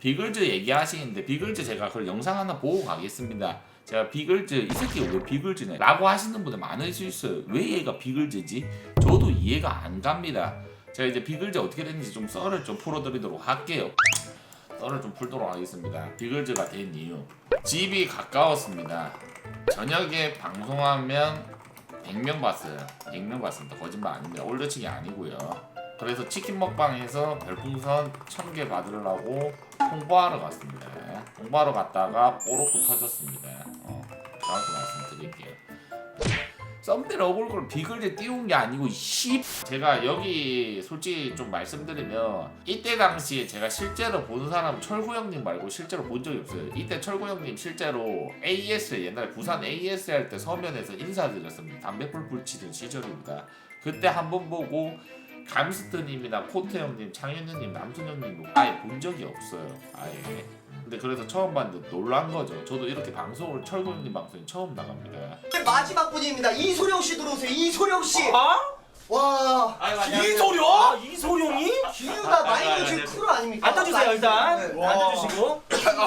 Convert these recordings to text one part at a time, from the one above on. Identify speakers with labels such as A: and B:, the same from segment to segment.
A: 비글즈 얘기하시는데 비글즈 제가 그 영상 하나 보고 가겠습니다. 제가 비글즈 이 새끼 왜 비글즈네 라고 하시는 분들 많으실 수 있어요. 왜 얘가 비글즈지? 저도 이해가 안 갑니다. 제가 이제 비글즈 어떻게 됐는지 좀 썰을 좀 풀어드리도록 할게요. 썰을 좀 풀도록 하겠습니다. 비글즈가 된 이유, 집이 가까웠습니다. 저녁에 방송하면 100명 봤어요. 100명 봤습니다. 거짓말 아닙니다. 올드치기 아니고요. 그래서 치킨 먹방에서 별풍선 1000개 받으려고 홍보하러 갔습니다. 홍보하러 갔다가 뽀록도 터졌습니다. 정확히 말씀드릴게요. 썸네일 얼굴을 비글즈 띄운 게 아니고 제가 여기 솔직히 좀 말씀드리면 이때 당시에 제가 실제로 본 사람 철구 형님 말고 실제로 본 적이 없어요. 이때 철구 형님 실제로 AS 옛날에 부산 AS 할 때 서면에서 인사드렸습니다. 담배 뿔뿔 치던 시절입니다. 그때 한번 보고 감스트님이나 코트 형님, 창현님, 남순 형님 아예 본 적이 없어요. 아예. 근데 그래서 처음 봤는데 놀란 거죠. 저도 이렇게 방송을 철구 형님 방송에 처음 나갑니다.
B: 마지막 분입니다. 이소룡 씨 들어오세요. 이소룡 씨. 와.
C: 이소룡? 이소룡이?
B: 기우가 마이너즈 크루 아닙니까?
C: 앉아주세요 일단.
B: 네.
C: 앉아주시고.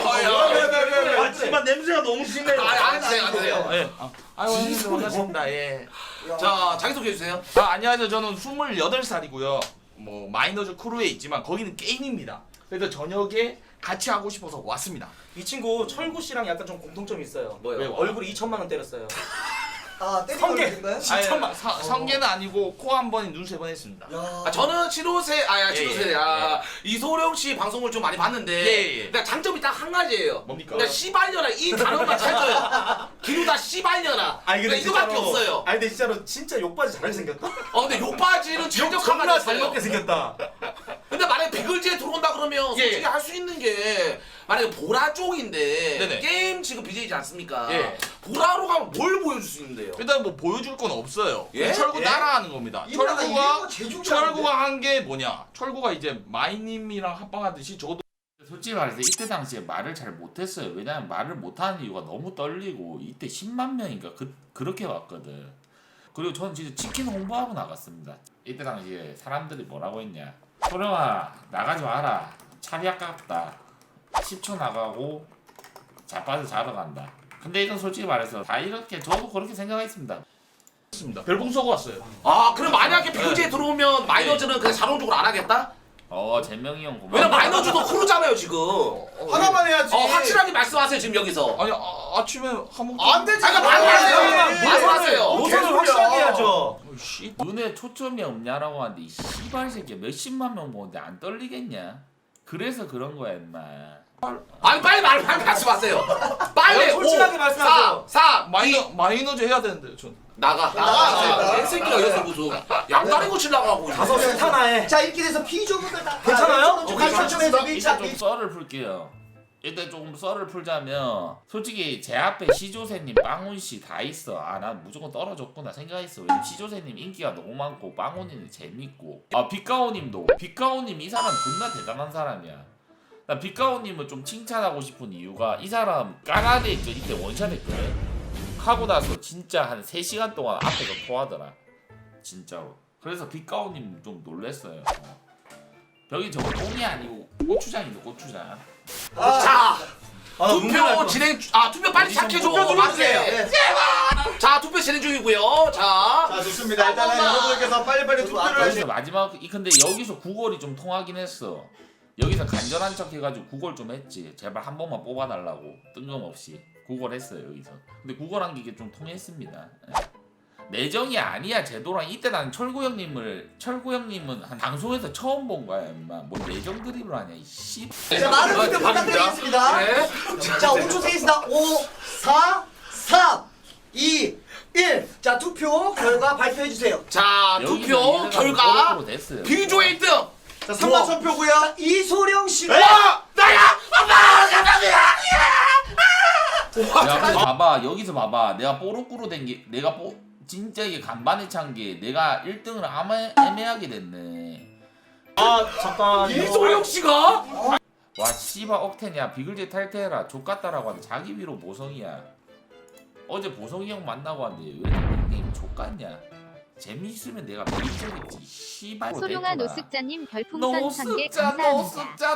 D: 하지만 냄새가 너무 심해.
E: 앉으세요.
C: 예.
E: 아유, 형님들 반갑습니다. 예.
B: 야.
E: 자, 자기소개해 주세요.
C: 안녕하세요. 저는 28살이고요. 뭐 마이너즈 크루에 있지만 거기는 게임입니다. 그래서 저녁에 같이 하고 싶어서 왔습니다.
D: 이 친구 철구 씨랑 약간 좀 공통점이 있어요.
E: 뭐요?
C: 왜요?
D: 얼굴에 2천만 원 때렸어요.
B: 아, 때린
D: 성게.
B: 건가요?
C: 아니, 성계는 아니고 코 한 번에 눈 세 번 했습니다.
B: 야.
E: 아, 저는
C: 예.
E: 이소룡 씨 방송을 좀 많이 봤는데,
C: 예.
E: 그러니까 장점이 딱 한 가지예요.
C: 뭡니까?
E: 그러니까 씨발년아 이 단어만 찾아요. 기누다 씨발년아. 그러니까 이거밖에 없어요.
D: 아니 근데 진짜로 진짜 욕바지 잘 생겼다.
E: 근데 욕바지는 최적화가
D: 존나 잘
E: 됐어요.
D: 먹게 생겼다.
E: 근데 만약에 비글즈에 들어온다 그러면 솔직히
C: 예.
E: 할 수 있는 게 만약에 보라 쪽인데
C: 네네.
E: 게임 지금 BJ지 않습니까?
C: 예.
E: 보라로 가면 뭘 보여줄 수 있는데요?
C: 일단 뭐 보여줄 건 없어요.
E: 예?
C: 철구
D: 예?
C: 따라하는 겁니다.
B: 이거다가 이거
C: 철구가 한 게 뭐냐? 철구가 이제 마이님이랑 합방하듯이 저도
A: 솔직히 말해서 이때 당시에 말을 잘 못했어요. 왜냐면 말을 못하는 이유가 너무 떨리고 이때 10만 명인가 그렇게 왔거든. 그리고 저는 진짜 치킨 홍보하고 나갔습니다. 이때 당시에 사람들이 뭐라고 했냐, 소령아 나가지 마라, 차비 아깝다, 10초 나가고 자빠져 자러 간다. 근데 이건 솔직히 말해서 다 이렇게 저도 그렇게 생각했습니다.
C: 했습니다. 별풍 쏘고 왔어요.
E: 아 그럼 만약에 비글즈에 들어오면 마이너즈는 그냥 자동적으로 안 하겠다?
A: 재명이 형 고마워.
E: 왜냐면 마이너즈도 크루잖아요 지금.
D: 하나만 해야지.
E: 확실하게 말씀하세요 지금 여기서.
C: 아니 아침에 한번
D: 안 되지.
E: 잠깐 말씀하세요.
D: 노선을 확실하게 해야죠.
C: 씨.
A: 눈에 초점이 없냐라고 하는데 이 씨발 새끼야 몇십만 명 보는데 안 떨리겠냐? 그래서 그런 거야 임마.
E: 아니 빨리 말씀하세요. 빨리.
D: 솔직하게 말씀하세요.
E: 4,
C: 마이너즈 해야 되는데 전.
E: 나가. 새끼가 여기서 무슨 양다리 고치려고 하고.
D: 다섯 스타나에.
B: 자, 이렇게 돼서 비조분들 다
D: 괜찮아요?
B: 좀
D: 오케이,
B: 가르쳐 주면서
A: 일단
B: 밀착.
A: 좀 썰을 풀게요. 일단 조금 썰을 풀자면 솔직히 제 앞에 시조새님, 빵훈씨 다 있어. 난 무조건 떨어졌구나 생각했어. 왜냐면 시조새님 인기가 너무 많고 빵훈이는 재밌고 빗가오님 이 사람 존나 대단한 사람이야. 나 빗가오님을 좀 칭찬하고 싶은 이유가 이 사람 까나데 있죠. 이때 원샷 했거든. 하고 나서 진짜 한 3시간 동안 앞에서 토하더라. 진짜로. 그래서 빗가오님 좀 놀랬어요. 벽이 저거 똥이 아니고 고추장이죠, 고추장.
E: 자
D: 아,
E: 투표 진행. 투표 빨리 시작해줘.
D: 투표 좀 해주세요.
E: 맞게. 자 투표 진행 중이고요. 자.
D: 자 좋습니다. 일단은 여러분들께서 빨리빨리 투표를
A: 여기서 마지막 근데 여기서 구걸이 좀 통하긴 했어. 여기서 간절한 척 해가지고 구걸 좀 했지. 제발 한 번만 뽑아달라고 뜬금없이 구걸했어요 여기서. 근데 구걸한 게 이게 좀 통했습니다. 내정이 아니야 제도랑. 이때 나는 철구 형님은 한 방송에서 처음 본 거야 임마. 뭐 내정 드립을 하냐 이 씨.
B: 자, 많은 투표 부탁드리겠습니다.
E: 네.
B: 자, 5초 세겠습니다. 5, 4, 3, 2, 1. 자, 투표 결과 발표해 주세요.
E: 자 투표 결과
A: 됐어요.
E: 비조의 1등.
D: 자 3만 1000표고요.
B: 자, 이소룡 씨가
E: 나야. 아빠 감사합니다.
A: 야 근데 봐봐 여기서 봐봐 내가 뽀록꾸로 된 게 진짜 이게 간반에 찬 게 내가 1등을 애매하게 됐네.
D: 아 잠깐.
E: 이소룡 씨가
A: 와 씨발 억텐이야. 비글제 탈퇴해라 족같다라고 하는데 자기 위로 보성이야. 어제 보성이 형 만나고 왔는데 왜 닉네임 족같냐. 재미있으면 내가 메이저겠지. 씨발.
F: 소룡아 노숙자님 별풍선 1000개 감사합니다.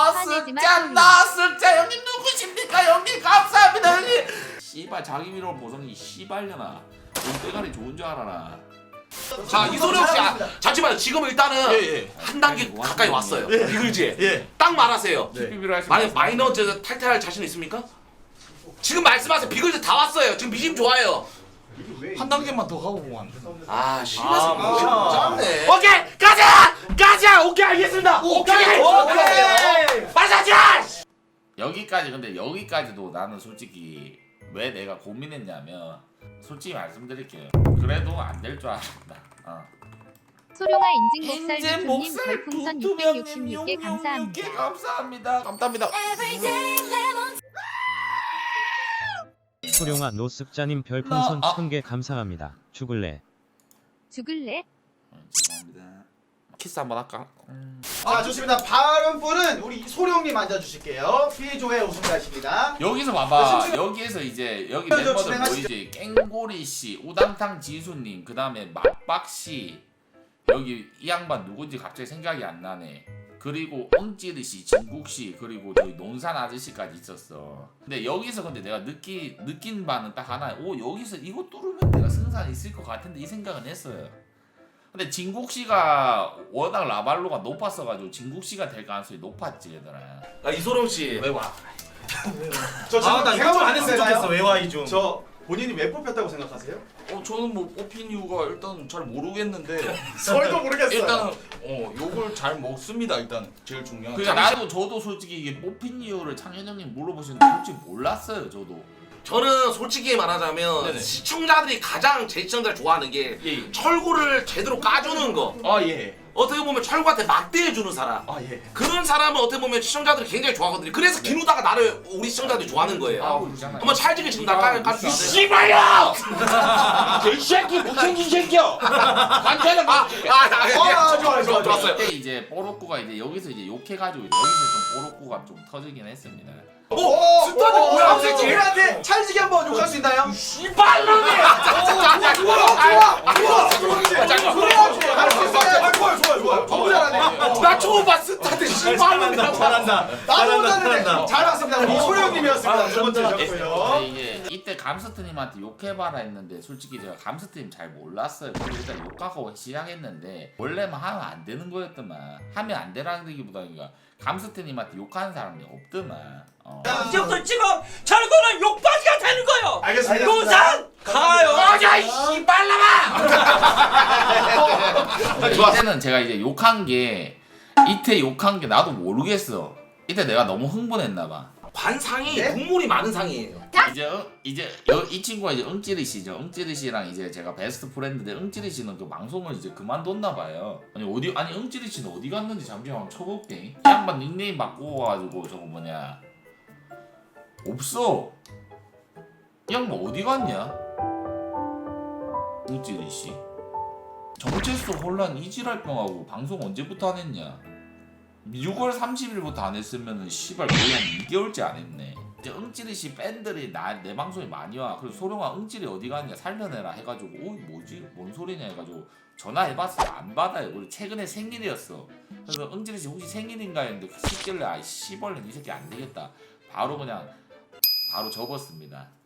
A: 노숙자 형님 누구십니까 형님 감사합니다 형님. 씨발 자기 위로 보성이 씨발려나. 넌 때가리 좋은 줄 알아라.
E: 자 이소룡 씨 잠시만요. 지금 일단은
C: 예.
E: 한 단계 가까이 왔어요. 비글즈에
C: 예.
E: 딱 말하세요.
A: TPB로 하시면
E: 만약 마이너즈 탈퇴할 자신 있습니까? 지금 말씀하세요. 비글즈 다 왔어요. 지금 미심 좋아요.
C: 한 단계만 더 가고 보면 안 되나?
E: 아 씨발
C: 짠네.
E: 오케이 가자 오케이 알겠습니다. 오케이 마사자
A: 여기까지. 근데 여기까지도 나는 솔직히 왜 내가 고민했냐면 솔직히 말씀드릴게요. 그래도 안 될 줄 알았다.
F: 소룡아 인증 목살
A: 인제
F: 유튜님
A: 목살
F: 별풍선
A: 두두명님
F: 666개 감사합니다.
A: 감사합니다.
G: 소룡아 노숙자님 별풍선
A: 아.
G: 1000개 감사합니다. 죽을래.
F: 죽을래?
A: 죄송합니다. 키스 한번 할까?
D: 자 좋습니다. 다음 분은 우리 소룡님 앉아주실게요. B조의 우승자십니다.
A: 여기서 봐봐. 여기에서 이제 여기
D: 저
A: 멤버들
D: 진행하시죠.
A: 보이지? 깽고리 씨, 우당탕 지수님, 그 다음에 막박 씨. 여기 이 양반 누군지 갑자기 생각이 안 나네. 그리고 엉찌르 씨, 진국 씨, 그리고 저기 논산 아저씨까지 있었어. 근데 여기서 근데 내가 느낀 바는 딱 하나. 오 여기서 이거 뚫으면 내가 승산 있을 것 같은데 이 생각은 했어요. 근데 진국 씨가 워낙 라발로가 높았어가지고 진국 씨가 될 가능성이 높았지 얘들아.
E: 이소룡 씨
C: 왜 와?
D: 저 지금
B: 나
D: 생각을 안 했으면
B: 되나요?
D: 좋겠어. 외화이 좀. 저 본인이 왜 뽑혔다고 생각하세요?
C: 저는 뭐 뽑힌 이유가 일단 잘 모르겠는데
D: 저희도 모르겠어요.
C: 일단은 욕을 잘 먹습니다. 일단 제일 중요한.
A: 그러니까 저도 솔직히 이게 뽑힌 이유를 창현 형님 물어보시는데 솔직히 몰랐어요 저도.
E: 저는 솔직히 말하자면
C: 네네.
E: 시청자들이 가장 제 시청자를 좋아하는 게
C: 예.
E: 철구를 제대로 까주는 거.
C: 아 예.
E: 어떻게 보면 철구한테 막대해주는 사람.
C: 아 예.
E: 그런 사람은 어떻게 보면 시청자들이 굉장히 좋아하거든요. 그래서 기누다가 나를 우리 시청자들이 좋아하는 거예요.
A: 그러잖아요.
E: 한번 찰지게 지금 나깔
C: 씨발야! 이 새끼 못생긴 새끼야! 반찬은
D: 좋아요.
E: 좋았어요.
A: 그때 이제 뽀로꾸가 이제 여기서 이제 욕해가지고 여기서 좀 뽀로꾸가 좀 터지긴 했습니다.
E: 스타드 뭐야, 이 새끼?
D: 우리한테 찰지게 한번 욕할 수 있나요?
E: 씨발놈이!
D: 좋아요. 너무 잘하네.
E: 나 처음 봤 스타드 씨발놈이라고.
D: 잘한다. 나도 못하는데 잘 왔습니다. 우리 소룡님이었습니다. 두 번째셨고요.
A: 이게 이때 감스트님한테 욕해봐라 했는데 솔직히 제가 감스트님 잘 몰랐어요. 그래서 일단 욕하고 시작했는데 원래만 하면 안 되는 거였더만. 하면 안 되라는 얘기보다 그러니까 감스트님한테 욕하는 사람이 없더만.
H: 이제부터 지금 철구는 욕받이가 되는 거요.
D: 알겠습니다.
H: 논산 가요.
E: 어자 이 씨발놈아!
A: 이때는 제가 이제 욕한 게 이때 욕한 게 나도 모르겠어. 이때 내가 너무 흥분했나봐.
E: 관상이 국물이 많은 상이에요.
A: 이 친구가 이제 응찌리 씨죠. 응찌리 씨랑 이제 제가 베스트 프렌드인데 응찌리 씨는 그 방송을 이제 그만뒀나 봐요. 아니 응찌리 씨는 어디 갔는지 잠시만 한번 쳐볼게. 이 양반 닉네임 바꾸어가지고 저거 뭐냐 없어. 이 양반 어디 갔냐? 응찌리 씨. 정체성 혼란 이지랄병하고 방송 언제부터 안 했냐? 6월 30일부터 안 했으면은 씨발 거의 한 2개월째 안 했네. 이제 응찌리 씨 팬들이 내 방송에 많이 와. 그래서 소룡아 응찌리 어디 갔냐 살려내라 해가지고 뭐지 뭔 소리냐 해가지고 전화해봤어 안 받아요. 그리고 최근에 생일이었어. 그래서 응찌리 씨 혹시 생일인가 했는데 시길래 아이 씨벌레 이 새끼 안 되겠다. 바로 접었습니다.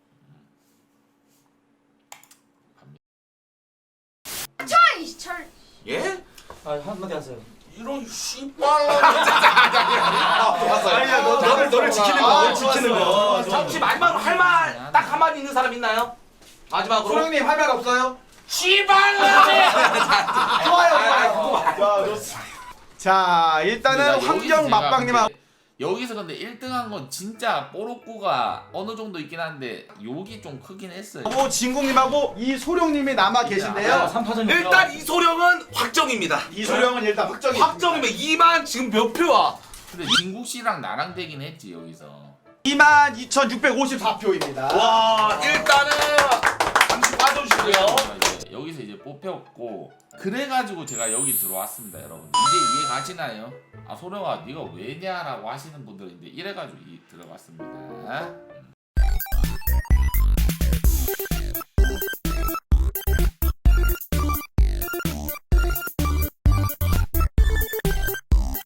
E: 예?
H: 한마디 하세요.
C: 이런 씨발.
D: 아니야, 너를 지키는 거. 너를 지키는 거.
E: 혹시 마지막으로 할 말 딱 한마디 있는 사람 있나요? 마지막으로
D: 소룡님 할 말 없어요?
E: 씨발놈이!
D: 좋아요. 자, 일단은
A: 근데 나
D: 환경
A: 여기서
D: 맛방님하고
A: 제가 여기서 근데 1등한 건 진짜 뽀로꾸가 어느 정도 있긴 한데 욕이 좀 크긴 했어요.
D: 진국님하고 이소룡님이 남아 계신데요.
H: 3파전
E: 일단 이소룡은 확정입니다.
D: 이소룡은 일단 확정이.
E: 확정이면 2만 지금 몇 표야?
A: 근데 진국 씨랑 나랑 되긴 했지 여기서.
D: 22,654표입니다.
E: 와 일단은 잠시 빠져주시고요.
A: 여기서 이제 뽑혔고 그래가지고 제가 여기 들어왔습니다 여러분. 이제 이해 가시나요? 아 소룡아 네가 왜냐라고 하시는 분들인데 이래가지고 들어갔습니다.